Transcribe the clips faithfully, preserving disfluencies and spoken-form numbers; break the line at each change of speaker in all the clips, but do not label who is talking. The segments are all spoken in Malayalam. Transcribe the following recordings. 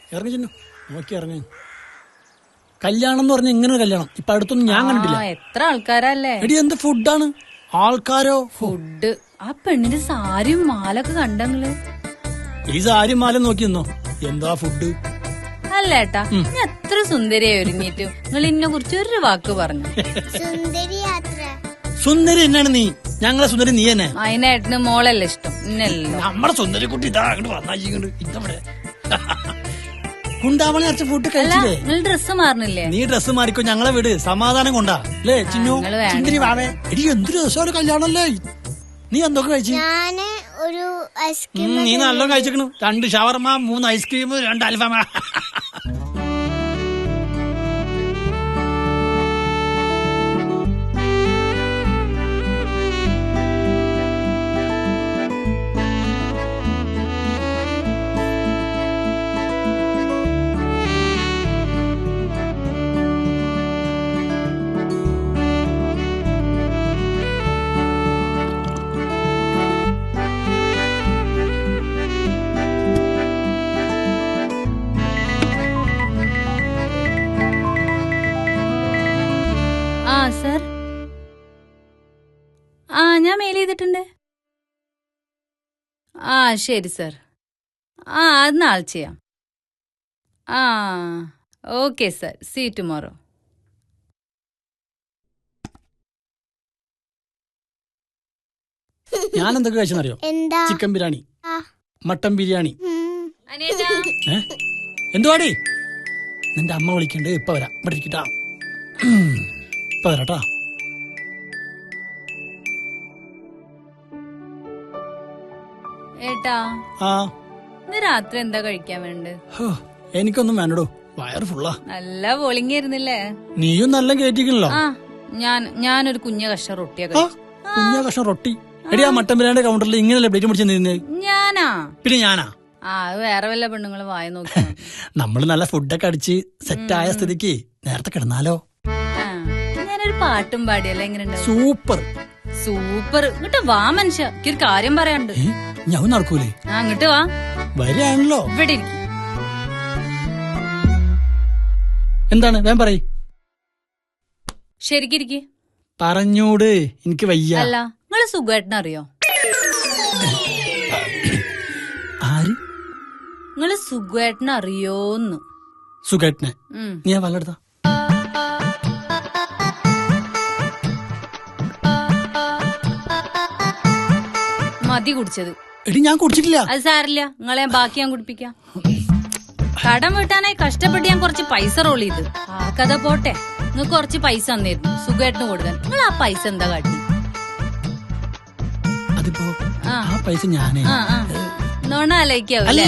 ഇറങ്ങി ചെന്നു നോക്കി ഇറങ്ങി. കല്യാണം എന്ന് പറഞ്ഞ ഇങ്ങനെ കല്യാണം ഇപ്പൊ അടുത്തൊന്നും ഞാൻ കണ്ടിട്ടില്ല.
എത്ര ആൾക്കാരല്ലേ
എടി എന്ത് ഫുഡാണ് ആൾക്കാരോ.
ഫുഡ് ആ പെണ്ണിന്റെ സാരിയും മാലൊക്കെ കണ്ടങ്ങള്.
ഈ സാരി മാല നോക്കി നിന്നോ എന്താ ഫുഡ്.
അല്ലേട്ടാ ഞാൻ എത്ര സുന്ദരിയായി ഒരുങ്ങിയിട്ട് നിങ്ങൾ ഇന്നെ കുറിച്ച് ഒരു വാക്ക് പറഞ്ഞു.
സുന്ദരി എന്നാണ് നീ? ഞങ്ങളെ സുന്ദരി നീ തന്നെ.
അതിനേട്ടന് മോളല്ലേ ഇഷ്ടം ഇന്നല്ലോ.
നമ്മുടെ സുന്ദരി കുട്ടി ഇതാ അങ്ങോട്ട് വന്നാച്ചിങ്ങോട്ട് ഇതവിടെ കുണ്ടാവണ അച്ഛൻ ഫുഡ് കഴിച്ചില്ലേ?
നിങ്ങൾ ഡ്രസ്സ് മാറണില്ലേ?
നീ ഡ്രസ്സ് മാറിക്കോ ഞങ്ങളെ വീട് സമാധാനം കൊണ്ടാ അല്ലേ ചിന്നു? ചിന്തിരി വാവേ എടി എന്തൊരു രസമാണ് കല്യാണല്ലേ. നീ എന്തൊക്കെ കഴിച്ചു? നീ നല്ല കഴിച്ചിക്കണു. രണ്ട് ഷവർമ, മൂന്ന് ഐസ്ക്രീം, രണ്ട് അൽഫാമ.
സർ ആ ഞാൻ മെയിൽ ചെയ്തിട്ടുണ്ട്. ആ ശരി സർ. ആ അത് നാളെ ചെയ്യാം. ആ ഓക്കെ സർ, സീ ടുമോറോ.
ഞാൻ എന്തൊക്കെ കഴിച്ചെന്നറിയോ? Chicken biryani, mutton biryani. എന്തുവാടി? നിന്റെ അമ്മ വിളിക്കണ്ട്. ഇപ്പൊ വരാം. ഇവിടെ ഇരിക്കട്ടാ. ഇപ്പൊ വരാട്ടാ.
ഏട്ടാ
ആ
ഇന്ന് രാത്രി എന്താ കഴിക്കാൻ വേണ്ടത്?
എനിക്കൊന്നും വേണ്ടടോ, വയറ് ഫുള്ളാ.
നല്ല ബോളിംഗ് ആയിരുന്നില്ലേ?
നീയും നല്ല കേറ്റിക്കണല്ലോ.
ആ ഞാൻ ഞാനൊരു കുഞ്ഞ കഷ്ണം റൊട്ടിയൊക്കെ.
കുഞ്ഞ കഷ്ണം റൊട്ടി? എടി ആ മട്ടൻ ബിരിയാണിയുടെ കൗണ്ടറിൽ ഇങ്ങനെയല്ലേ പ്ലേറ്റ് പിടിച്ച് നിന്നത്?
ഞാനാ?
പിന്നെ ഞാനാ?
ആ അത് വേറെ വല്ല പെണ്ണുങ്ങള് വായ നോക്കി.
നമ്മള് നല്ല ഫുഡൊക്കെ അടിച്ച് സെറ്റായ സ്ഥിതിക്ക് നേരത്തെ കിടന്നാലോ?
ഞാനൊരു പാട്ടും പാടിയല്ലേ? എങ്ങനെയുണ്ട്?
Super
super. ഇങ്ങോട്ട് വാ മനുഷ്യ, എനിക്കൊരു കാര്യം പറയാനുണ്ട്.
ഞാൻ നടക്കൂലേ?
ആ ഇങ്ങോട്ട് വാ.
വരികയാണല്ലോ.
ഇവിടെ ഇരിക്കും.
എന്താണ് വേം പറയ്.
ശരിക്കിരിക്ക്.
പറഞ്ഞൂട്, എനിക്ക് വയ്യ.
അല്ല നിങ്ങള് സുഖേട്ടനെ അറിയോ?
ആര്?
നിങ്ങള് സുഖേട്ടനെ അറിയോന്ന്?
സുഖേട്ടനെ? നീ വല്ലെടുത്ത
മതി കുടിച്ചത്.
എടി ഞാൻ കുടിച്ചിട്ടില്ല.
അത് സാരില്ല, നിങ്ങളെ ബാക്കി ഞാൻ കുടിപ്പിക്കാം. കടം വീട്ടാനായി കഷ്ടപ്പെട്ട് ഞാൻ കുറച്ച് പൈസ റോൾ ചെയ്ത്. ആ കഥ പോട്ടെ, നിങ്ങൾക്ക് കുറച്ച് പൈസ തന്നിരുന്നു സുഖേട്ടന് കൊടുക്കാൻ. നിങ്ങൾ ആ പൈസ എന്താ കാട്ടി?
അതിപ്പോ ആ പൈസ ഞാനേ
നോണ ആലോചിക്കാവൂല്ലേ?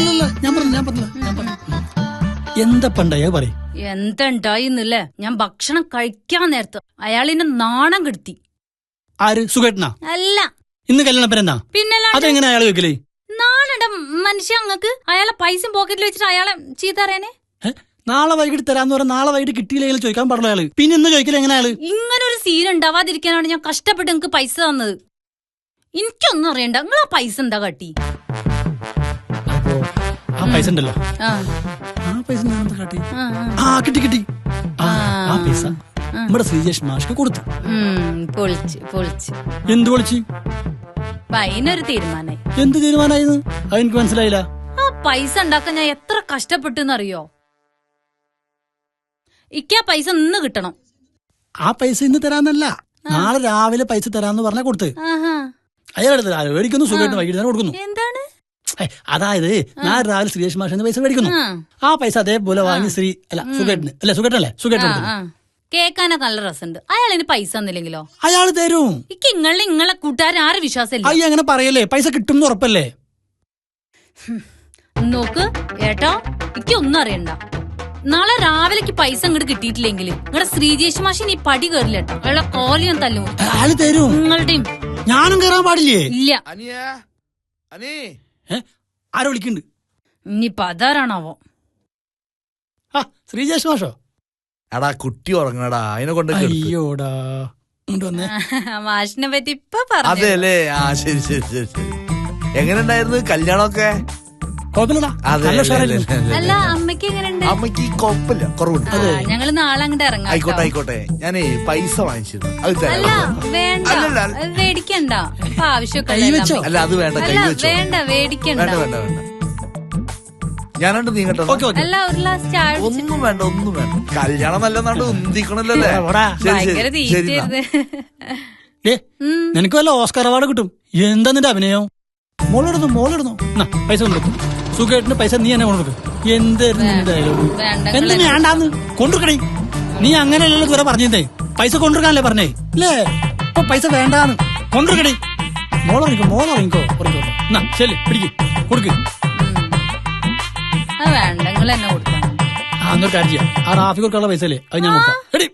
എന്താ പണ്ടായ പറയും?
എന്തുണ്ടായിന്നല്ലേ? ഞാൻ ഭക്ഷണം കഴിക്കാൻ നേരത്ത് അയാളിനെ നാണം കെടുത്തി.
ആര്? സുഖേട്ടനാ?
അല്ല,
ഇന്ന് കല്യാണപ്പരെന്നാ?
പിന്നല്ല.
അതെങ്ങനെ അയാൾ വെക്കലേ?
നാണുണ്ട മനുഷ്യ അങ്ങക്ക്. അയാളെ പൈസ പോക്കറ്റിൽ വെച്ചിട്ട് അയാളെ ചീത്ത അറിയാനേ?
നാളെ വൈകിട്ട് തരാന്ന് പറഞ്ഞാൽ നാളെ വൈകിട്ട് കിട്ടിയില്ലെങ്കിൽ ചോദിക്കാൻ പാടുള്ള അയാള് പിന്നെ ഇന്ന് ചോദിക്കല എങ്ങനെ അയാള്?
ഇങ്ങനെ ഒരു സീൻ ഉണ്ടാവാതിരിക്കാനാണ് ഞാൻ കഷ്ടപ്പെട്ട് നിങ്ങക്ക് പൈസ തന്നത്. എനിക്കൊന്നും അറിയണ്ട, നിങ്ങൾ ആ പൈസ എന്താ കാട്ടി?
ആ പൈസ ഉണ്ടല്ലോ, ആ പൈസ കാട്ടി. ആ കിട്ടി കിട്ടി. ആ പൈസ നമ്മുടെ ശ്രീജേഷ് മാഷ്ക്ക് കൊടുത്തു.
പൊളിച്ച് പൊളിച്ച്.
എന്ത് പൊളിച്ച്?
അതിനൊരു തീരുമാനായി.
എന്ത് തീരുമാനായിരുന്നു? അതെനിക്ക് മനസ്സിലായില്ല.
ആ പൈസ ഉണ്ടാക്കാൻ ഞാൻ എത്ര കഷ്ടപ്പെട്ടെന്നറിയോ? ഇക്കാ പൈസ ഇന്ന് കിട്ടണം.
ആ പൈസ ഇന്ന് തരാന്നല്ല, നാളെ രാവിലെ പൈസ തരാന്ന് പറഞ്ഞാ കൊടുത്ത്. അയാളെടുത്ത് മേടിക്കുന്നു, സുഖമായിട്ട് വൈകിട്ട് കൊടുക്കുന്നു.
എന്താണ്?
അതായത് നാളെ രാവിലെ ശ്രീജേഷ് മാഷിന് പൈസ മേടിക്കുന്നു. ആ പൈസ അതേപോലെ വാങ്ങി ശ്രീ അല്ല സുഖേട്ടന് അല്ലെ സുഖേട്ടനല്ലേ സുഖേട്ടൻ
കേക്കാനൊക്കെ നല്ല രസമുണ്ട്. അയാളിന് പൈസ തന്നില്ലെങ്കിലോ?
അയാൾ തരും.
ഇക്ക് ഇങ്ങളെ ഇങ്ങളെ കൂട്ടുകാരൻ ആരെ വിശ്വാസമില്ല.
അയ്യ അങ്ങനെ പറയല്ലേ, പൈസ കിട്ടും ഉറപ്പല്ലേ?
നോക്ക് ഏട്ടാ, എനിക്ക് ഒന്നും അറിയണ്ട. നാളെ രാവിലേക്ക് പൈസ ഇങ്ങോട്ട് കിട്ടിയിട്ടില്ലെങ്കിൽ നിങ്ങളുടെ ശ്രീജേഷ് മാഷി ഈ പടി കയറില്ല കേട്ടോ. അയാളെ കോലി ഞാൻ തല്ലും.
അയാൾ തരും.
നിങ്ങളുടെയും
ഞാനും കയറാൻ പാടില്ലേ?
ഇല്ല.
ആരോ വിളിക്കുന്നുണ്ട്.
ഇനിയിപ്പൊ അതാരാണാവോ?
ശ്രീജേഷ് മാഷോ?
എടാ കുട്ടി ഉറങ്ങടാ, അതിനെ കൊണ്ട്.
അയ്യോടാ,
മാഷിനെ പറ്റി ഇപ്പൊ പറഞ്ഞു.
അതെല്ലേ? ആ ശരി ശരി ശരി ശരി. എങ്ങനെ ഉണ്ടായിരുന്നു കല്യാണമൊക്കെ?
കുഴപ്പമില്ലടാ,
അതെ,
നല്ല
അതെ,
ഉഷാറായിരുന്നു.
അതെ, അതെ.
അല്ല അമ്മയ്ക്ക് എങ്ങനെയുണ്ട്?
അമ്മക്ക് കുഴപ്പമില്ല, കുറവുണ്ട്.
ഞങ്ങള് നാളെ അങ്ങോട്ട് ഇറങ്ങാം
ആയിക്കോട്ടെ
കേട്ടോ.
ആയിക്കോട്ടെ, ഞാനേ പൈസ വാങ്ങിച്ചിരുന്നു, അത്
അല്ല
തരാം.
വേണ്ട,
അല്ലല്ല.
അത് മേടിക്കണ്ട, ഇപ്പൊ ആവശ്യമൊക്കെ
കൈ വെച്ചോ?
അല്ല അത് വേണ്ട, കൈ
അല്ല
വെച്ചോ.
വേണ്ട, മേടിക്കണ്ട.
വേണ്ട വേണ്ട വേണ്ട, ഞാനുണ്ട്, നീ കേട്ടോ.
Okay okay.
അല്ല ഒരു ഗ്ലാസ് ചായ കുടിച്ച്
ഒന്നും വേണ്ട, ഒന്നും വേണ്ട. കല്യാണം നല്ലെന്നാണ്ട് ഉന്തിക്കണല്ലേ.
എവിടാ?
ശരി
ഭയങ്കര
ശരി ശരി എന്നാ.
തീറ്റയായിരുന്നു.
ഏ നിനക്ക് വല്ല ഓസ്കാർ അവാർഡ് കിട്ടും. എന്താ നിന്റെ അഭിനയം? മോളിടുന്നു മോളിടുന്നു. പൈസ കൊണ്ടുവെക്കും. സുഖമായിട്ടിന് പൈസ നീ എന്നെ കൊണ്ടുവെക്കും. എന്തായിരുന്നു നിന്റെ ഡയലോഗ്?
വേണ്ട,
എന്ത് വേണ്ടാന്ന് കൊണ്ടുക്കണേ. നീ അങ്ങനെയല്ലല്ലോ ഇതുവരെ പറഞ്ഞേ. പൈസ കൊണ്ടുവെക്കാനല്ലേ പറഞ്ഞേ അല്ലേ? ഇപ്പൊ പൈസ വേണ്ടാന്ന് കൊണ്ടുവെക്കണേ. മോളിറങ്ങിക്കോ മോളിറങ്ങിക്കോ ഉറങ്ങിക്കോ. എന്നാ ശരി പിടിക്ക് കൊടുക്ക്.
അത് വേണ്ട, നിങ്ങൾ എന്നെ കൊടുക്കണം.
ആ എന്നൊരു കാര്യം ചെയ്യാം. ആ റാഫി കൊടുക്കാനുള്ള പൈസ അല്ലേ അത് ഞാൻ നോക്കാം. എടി